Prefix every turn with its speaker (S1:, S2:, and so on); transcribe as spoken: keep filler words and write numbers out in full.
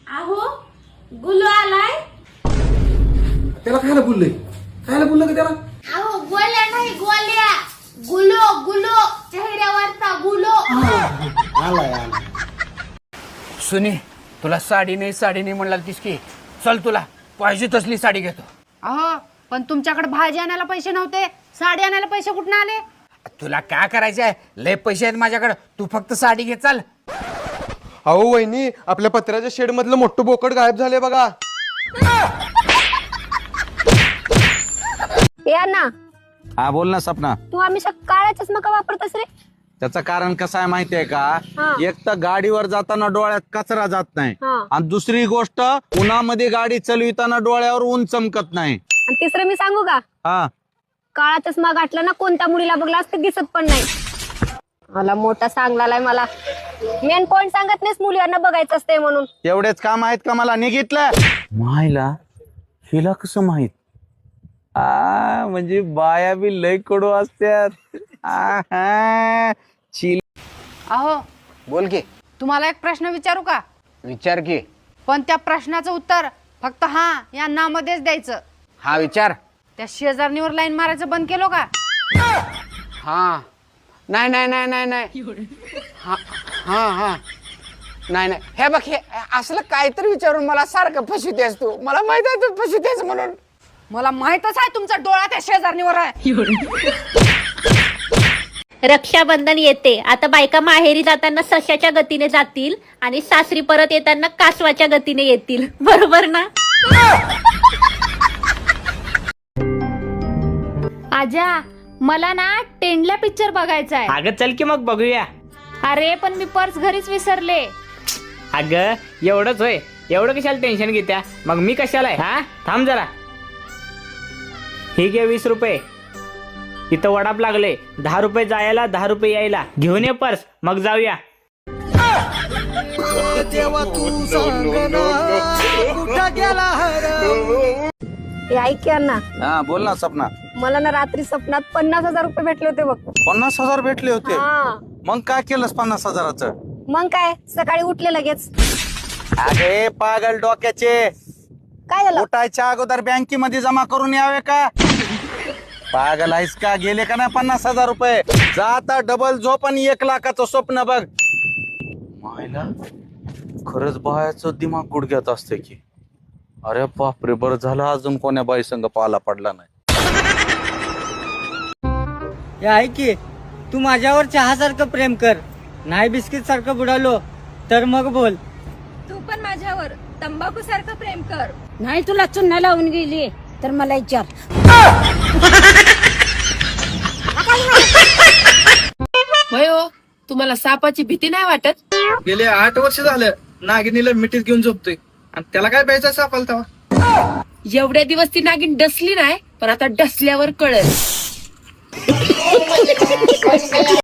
S1: अहो गुलू आलाय.
S2: त्याला खायला बोललंय खायला बोललं का त्याला?
S1: अहो गोल्या नाही गोल्या, गुलो गुलो चेहऱ्यावरचा गुलो.
S2: आलाय आलाय.
S3: सुनी तुला साडी नाही साडी नाही म्हणला तीस की चल तुला पाहिजे तसली साडी घेतो.
S4: अहो पण तुमच्याकडे भाजी आणायला पैसे नव्हते, साडी आणायला पैसे कुठून आले?
S3: तुला काय करायचं आहे? लय पैसे आहेत माझ्याकडे, तू फक्त साडी घे चल.
S5: अहो वहिनी आपल्या पत्र्याच्या शेड मधलं मोठं बोकड गायब झाले बघा.
S6: या ना.
S7: हा बोल ना सपना.
S6: तू हमेशा काळा चष्मा का वापरतस रे?
S7: त्याचं कारण कसं आहे माहितीये का?
S6: हा.
S7: एक तर गाडीवर जाताना डोळ्यात कचरा जात नाही
S6: हा.
S7: आणि दुसरी गोष्ट उन्हामध्ये गाडी चालविताना डोळ्यावर ऊन चमकत नाही.
S6: आणि तिसरं मी सांगू का?
S7: हा
S6: काळा चष्मा घातला ना कोणत्या मुलीला बघला असते दिसत पण नाही. मला मोठा सांगलाय मला. मेन पॉइंट सांगत नाहीस मुलींना बघायचं असते म्हणून.
S7: एवढेच काम आहेत का मला निघितलं? मायला हिला कसं माहित? आ म्हणजे बाया बी लय कडू असतात. आहा, चिल.
S4: अहो
S3: बोल की.
S4: तुम्हाला एक प्रश्न विचारू का?
S3: विचार की.
S4: पण त्या प्रश्नाचं उत्तर फक्त हा या ना मध्येच द्यायचं.
S3: हा विचार.
S4: त्या शेजारणीवर लाईन मारायचं बंद केलो का?
S3: हा नाही नाही नाही नाही नाही हा हा हा नाही नाही हे बघ हे असलं काहीतरी विचारून मला सारखं फसवतेस तू. मला माहित आहे तू फसवतेस म्हणून.
S4: मला माहितच आहे तुमचा डोळा त्या शेजारणीवर आहे.
S8: रक्षाबंधन येते. आता बायका माहेरी जाताना सशाच्या गतीने जातील आणि सासरी परत येताना कासवाच्या गतीने येतील, बरोबर ना?
S1: आजा मला ना टेंडला पिक्चर बघायचा आहे.
S9: अगं चल की मग बघूया.
S1: अरे पण मी पर्स घरीच विसरले.
S9: अगं एवढंच होय, एवढं कशाला टेन्शन घेत्या? मग मी कशाला आहे? हा थांब जरा. हे घे वीस रुपये. इथं वडाप लागले. दहा रुपये जायला दहा रुपये यायला. घेऊन ये पर्स मग जाऊया.
S6: हे ऐक या ना.
S7: हा बोल ना सपना.
S6: मला ना रात्री स्वप्नात पन्नास हजार रुपये भेटले होते बघ.
S7: पन्नास हजार भेटले होते?
S6: हा.
S7: मग काय केलंस पन्नास हजाराचं?
S6: मग काय सकाळी उठले लगेच.
S7: अरे पागल डोक्याचे,
S6: काय झालं?
S7: उठायच्या अगोदर बँकेमध्ये जमा करून यावे का? पागल आहेस का? गेले का नाही पन्नास हजार रुपये? जाता डबल झोप आणि एक लाखाचं स्वप्न बघ. मायला खरंच बायाचं दिमाग गुडघ्यात असते की. अरे बापरे, बरं झालं अजून कोण्या बाई संग पाला पडला नाही.
S10: ऐक की, तू माझ्यावर चहा सारखं प्रेम कर, नाही बिस्किट सारखं बुडालो तर मग बोल.
S1: तू पण माझ्यावर तंबाखू सारखं प्रेम कर.
S4: नाही तुला चुन्हा लावून गेली तर मला विचार.
S11: हो तुम्हाला सापाची भीती नाही वाटत?
S10: गेले आठ वर्ष झालं नागिनीला मिठीत घेऊन झोपतोय आणि त्याला काय प्यायचा सापाला तेव्हा.
S11: एवढ्या दिवस ती नागिन डसली नाही, पण आता डसल्यावर कळेल.